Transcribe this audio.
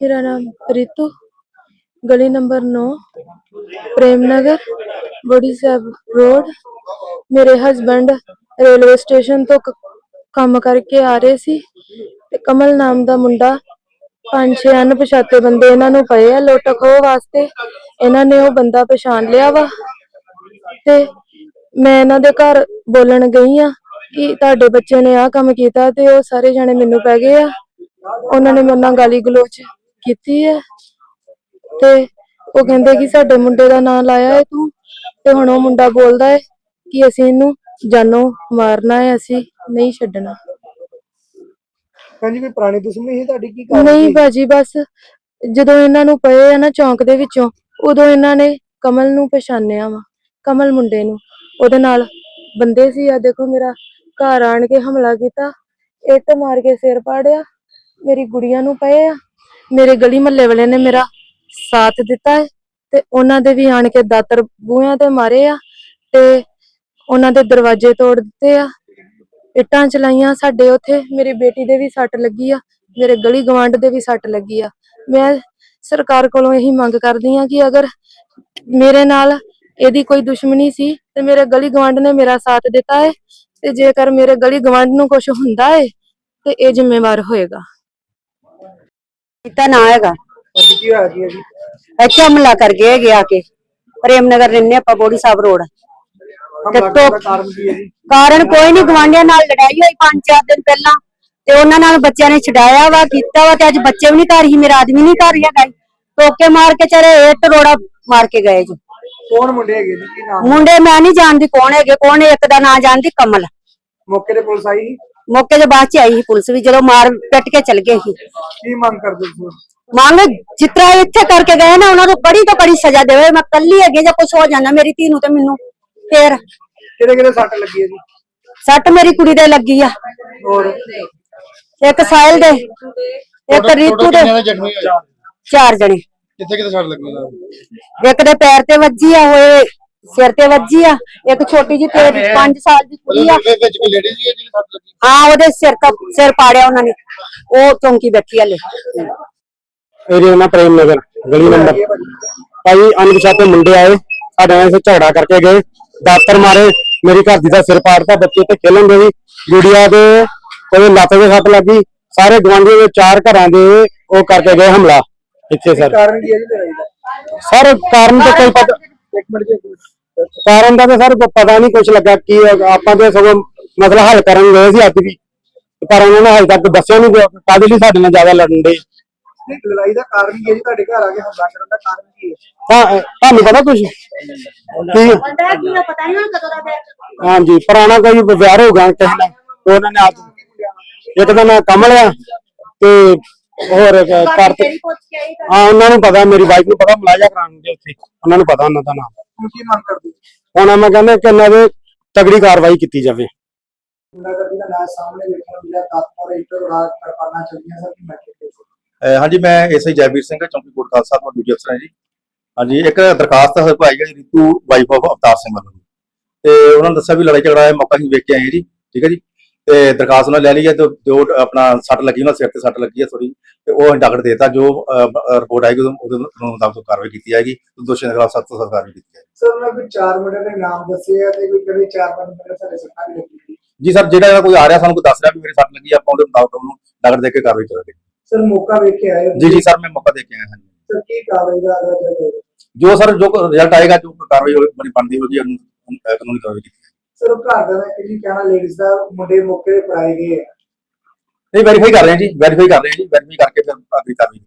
मेरा नाम रितु, गली नंबर 9, प्रेम नगर, बड़ी साहब रोड। मेरे हसबैंड रेलवे स्टेशन तो काम करके आ रहे सी ते कमल नाम दा मुंडा 5-6 अनपछाते बंदे इन्हां नूं पए आ लुੱਟ ਖੋਹ वास्ते। इन्हां ने वो बंदा पछाण लिया वा ते मैं इन्हां दे घर बोलन गई आ कि तुहाडे बच्चे ने आ काम कीता ते वो सारे जने मैनूं पै गए आ। ਉਹਨਾਂ ਨੇ ਮੇਰੇ ਨਾਲ ਗਾਲੀ ਗਲੋਚ ਕੀਤੀ ਹੈ ਤੇ ਉਹ ਕਹਿੰਦੇ ਕਿ ਸਾਡੇ ਮੁੰਡੇ ਦਾ ਨਾਂ ਲਾਇਆ ਹੈ ਤੂੰ ਤੇ ਹੁਣ ਉਹ ਮੁੰਡਾ ਬੋਲਦਾ ਹੈ ਕਿ ਅਸੀਂ ਇਹਨੂੰ ਜਾਨੋਂ ਮਾਰਨਾ ਹੈ, ਅਸੀਂ ਨਹੀਂ ਛੱਡਣਾ। ਹਾਂਜੀ, ਕੋਈ ਪੁਰਾਣੀ ਦੁਸ਼ਮਣੀ ਸੀ ਤੁਹਾਡੀ ਕੀ ਕਾਰਨ ਨਹੀਂ ਸੀ? ਭਾਜੀ, ਬਸ ਜਦੋਂ ਇਹਨਾਂ ਨੂੰ ਪਏ ਆ ਨਾ ਚੌਂਕ ਦੇ ਵਿੱਚੋਂ, ਉਦੋਂ ਇਹਨਾਂ ਨੇ ਕਮਲ ਨੂੰ ਪਛਾਣਿਆ ਵਾ, ਕਮਲ ਮੁੰਡੇ ਨੂੰ। ਉਹਦੇ ਨਾਲ ਬੰਦੇ ਸੀ। ਆ ਦੇਖੋ ਮੇਰਾ ਘਰ ਆਣ ਕੇ ਹਮਲਾ ਕੀਤਾ, ਇੱਟ ਮਾਰ ਕੇ ਸਿਰ ਪਾੜਿਆ, ਮੇਰੀ ਗੁੜੀਆ ਨੂੰ ਪਏ ਆ। ਮੇਰੇ ਗਲੀ ਮਹੱਲੇ ਵਾਲੇ ਨੇ ਮੇਰਾ ਸਾਥ ਦਿੱਤਾ ਹੈ ਤੇ ਉਹਨਾਂ ਦੇ ਵੀ ਆਣ ਕੇ ਦਾਤਰ ਬੂਹਿਆਂ ਤੇ ਮਾਰੇ ਆ ਤੇ ਉਹਨਾਂ ਦੇ ਦਰਵਾਜ਼ੇ ਤੋੜ ਦਿੱਤੇ ਆ, ਇੱਟਾਂ ਚਲਾਈਆਂ ਸਾਡੇ ਉੱਥੇ। ਮੇਰੀ ਬੇਟੀ ਦੇ ਵੀ ਸੱਟ ਲੱਗੀ ਆ, ਮੇਰੇ ਗਲੀ ਗਵਾਂਢ ਦੇ ਵੀ ਸੱਟ ਲੱਗੀ ਆ। ਮੈਂ ਸਰਕਾਰ ਕੋਲੋਂ ਇਹੀ ਮੰਗ ਕਰਦੀ ਆ ਕਿ ਅਗਰ ਮੇਰੇ ਨਾਲ ਇਹਦੀ ਕੋਈ ਦੁਸ਼ਮਣੀ ਸੀ ਤੇ ਮੇਰੇ ਗਲੀ ਗਵਾਂਢ ਨੇ ਮੇਰਾ ਸਾਥ ਦਿੱਤਾ ਹੈ ਤੇ ਜੇਕਰ ਮੇਰੇ ਗਲੀ ਗਵਾਂਢ ਨੂੰ ਕੁਝ ਹੁੰਦਾ ਹੈ ਤੇ ਇਹ ਜ਼ਿੰਮੇਵਾਰ ਹੋਏਗਾ। ना है ਕੀ ਹੋਇਆ ਜੀ ਜੀ? अच्छे हमला कर गए गया के प्रेम नगर रहने आप बोड़ी साहब रोड। ਹਮਲਾ ਕਰਨ ਦਾ ਕਾਰਨ ਕੀ ਹੈ ਜੀ? कारण कोई नहीं, गवांढिया नाल लड़ाई हुई 5-4 दिन पहला ते उन्हां नाल बच्चों ने छडाया वा कीता वा ते अज बच्चे भी नहीं घर ही, मेरा आदमी नहीं घर है। टोके मार के चले इट रोड़ा मार के गए जी। ਕੌਣ ਮੁੰਡੇ ਹੈਗੇ ਜੀ? ਕੀ ਨਾਮ? मुंडे मैं नहीं जानती कौन है, कौन है, एक दा नाम जानती कमल। ਮੌਕੇ ਤੇ ਪੁਲਿਸ ਆਈ ਸੀ? मौके के बाद च आई पुलिस भी, जो मार पिट के चल गए। ਕੀ ਮੰਗ ਕਰਦੇ ਸੀ? मांग जितना इत्थे करके गए ना उन्होंने तो बड़ी सजा देवे। मैं कल्ली है ਜਾਂ कुछ हो जाना मेरी धी नूं ते मैनूं फिर। ਕਿਹੜੇ ਕਿਹੜੇ ਸੱਟ ਲੱਗੀ ਹੈ ਜੀ? सट मेरी कुड़ी दे लगी आ, ਹੋਰ एक साहिल दे, एक रीतू दे, ਜ਼ਖਮੀ ਹੋਏ 4 जने। ਕਿੱਥੇ ਕਿੱਥੇ ਸੱਟ ਲੱਗੀ ਉਹਨਾਂ ਨੂੰ? एक दे पैर ते वज्जी आ, होए सिर ते वज्जी आ, एक छोटी जी 5 साल दी कुड़ी आ। ਉਹਦੇ ਵਿੱਚ ਕੋਈ ਲੇਡੀ ਸੀ ਜਿਹਦੀ ਸੱਟ ਲੱਗੀ? हाँ ओदे सिर पाड़िया उन्होंने, वो चौंकी बैठी हले। एरिया प्रेम नगर गली नंबर भाई अनपछाते मुंडे आए साडे नाल झगड़ा करके गए, दातर मारे, मेरी घर दी दा सिर पाड़ता, बच्चे ते खेलन दे गुड़िया दे कोई लत्त ते सट लगी। सारे गवांढियों दे 4 घरां दे ओ करके गए हमला इत्थे। सर ਕਾਰਨ ਕੀ ਹੈ ਜੀ ਲੜਾਈ ਦਾ? सर कारण तो कोई पता, ਇੱਕ ਮਿੰਟ ਜੀ। कारण का तो सर पता नहीं कुछ लगा कि आपां ते सगों मसला हल करन गए सी अज भी, पर उन्होंने हाले तक दस्सिया नहीं काहदे लई साडे नाल ज्यादा लड़न दे। ਲੜਾਈ ਦਾ ਕਾਰਨ ਕੀ ਹੈ ਜੀ? ਤੁਹਾਡੇ ਘਰ ਆ ਕੇ ਹਮਲਾ ਕਰਨ ਦਾ ਕਾਰਨ ਕੀ ਹੈ? ਤੁਹਾਨੂੰ ਪਤਾ ਕੁਛ हाँ जी, पुराना कोई व्यवहार होगा किसी ना, उन्होंने आज एक दिन कमल आ ते होर कर हाँ उन्होंने पता, मेरी वाइफ नूं पता मुलाजा कराने उत्थे, उन्होंने पता उन्हों दा नाम। ਹੁਣ ਕੀ ਮੰਗ ਕਰਦੇ? हुण मैं कहना कि इन्हां दे तगड़ी कार्रवाई की जाए। ਨਗਰ ਦਾ ਨਾਮ ਸਾਹਮਣੇ ਵੇਖਣ ਨੂੰ ਮਿਲਿਆ, ਦਾਤਰ ਇੱਟ ਰੋੜਾ ਕਰਪਾਨਾਂ ਚੱਲੀਆਂ ਸਰ ਕੀ ਮੈਟਰ? ਹਾਂਜੀ, ਮੈਂ ਐਸਆਈ ਜੈਬੀਰ ਸਿੰਘ ਚੌਂਕੀ ਕੋਟ ਖਾਲਸਾ ਤੋਂ ਡਿਊਟੀ ਅਫਸਰ ਹਾਂ ਜੀ। ਹਾਂਜੀ, ਇੱਕ ਦਰਖਾਸਤ ਆਈ ਹੈ ਰੀਤੂ ਵਾਈਫ ਆਫ ਅਵਤਾਰ ਸਿੰਘ ਵੱਲੋਂ ਤੇ ਉਹਨਾਂ ਨੇ ਦੱਸਿਆ ਵੀ ਲੜਾਈ ਝਗੜਾ ਹੈ, ਮੌਕਾ ਹੀ ਵੇਖ ਕੇ ਆਏ ਜੀ। ਠੀਕ ਹੈ ਜੀ, ਤੇ ਦਰਖਾਸਤ ਉਹਨਾਂ ਲੈ ਲਈ ਹੈ ਤੇ ਜੋ ਆਪਣਾ ਸੱਟ ਲੱਗੀ, ਉਹਨਾਂ ਸਿਰ ਤੇ ਸੱਟ ਲੱਗੀ ਹੈ ਥੋੜੀ, ਤੇ ਉਹ ਡਾਕਟਰ ਦੇਤਾ। ਜੋ ਰਿਪੋਰਟ ਆਏਗੀ ਉਹਦੇ ਮੁਤਾਬਕ ਕਾਰਵਾਈ ਕੀਤੀ ਜਾਏਗੀ, ਦੋਸ਼ੀਆਂ ਦੇ ਖਿਲਾਫ ਸਖਤ ਤੋਂ ਸਖਤ ਕਾਰਵਾਈ ਕੀਤੀ ਜਾਏਗੀ। ਸਰ ਉਹਨਾਂ ਕੋਈ 4 ਮੁੰਡਿਆਂ ਦੇ ਨਾਮ ਦੱਸੇ ਆ ਤੇ ਕੋਈ ਕਹਿੰਦੇ 4-5 ਮੁੰਡੇ ਸਾਡੇ ਸੱਟਾਂ ਵੀ ਲੱਗੀ। ਜੀ ਸਰ, ਜਿਹੜਾ ਕੋਈ ਆ ਰਿਹਾ ਸਾਨੂੰ ਕੋਈ ਦੱਸ ਰਿਹਾ ਵੀ ਮੇਰੇ ਸੱਟ ਲੱਗੀ, ਆਪਾਂ ਉਹਦੇ ਮੁਤਾਬਕ ਉਹਨੂੰ ਡਾਕਟਰ ਦੇ ਕੇ ਕਾਰਵਾਈ ਕਰਾਂਗੇ। ਸਰ ਮੌਕਾ ਵੇਖ ਕੇ ਆਏ? ਜੀ ਸਰ, ਮੈਂ ਮੌਕਾ ਦੇ ਕੇ ਆਇਆ ਹਾਂ ਜੀ। ਸਰ ਕੀ ਕਾਰਵਾਈ ਦਾ ਅਗਲਾ ਜੋ ਸਰ ਜੋ ਰਿਜ਼ਲਟ ਆਏਗਾ, ਜੋ ਕਾਰਵਾਈ ਬਣੀ ਬਣਦੀ ਹੋਗੀ, ਉਹਨੂੰ ਕਾਨੂੰਨੀ ਕਾਰਵਾਈ ਕੀਤੀ ਜਾਏਗੀ। ਸਰ ਉਹ ਘਰ ਦਾ ਕੀ ਕਹਿਣਾ, ਲੇਡੀਜ਼ ਦਾ ਮੁੰਡੇ ਮੌਕੇ ਤੇ ਫੜਾਏ ਗਏ ਆ? ਨਹੀਂ, ਵੈਰੀਫਾਈ ਕਰ ਰਹੇ ਹਾਂ ਜੀ, ਵੈਰੀਫਾਈ ਕਰਕੇ ਫਿਰ ਅਗਲੀ ਕਾਰਵਾਈ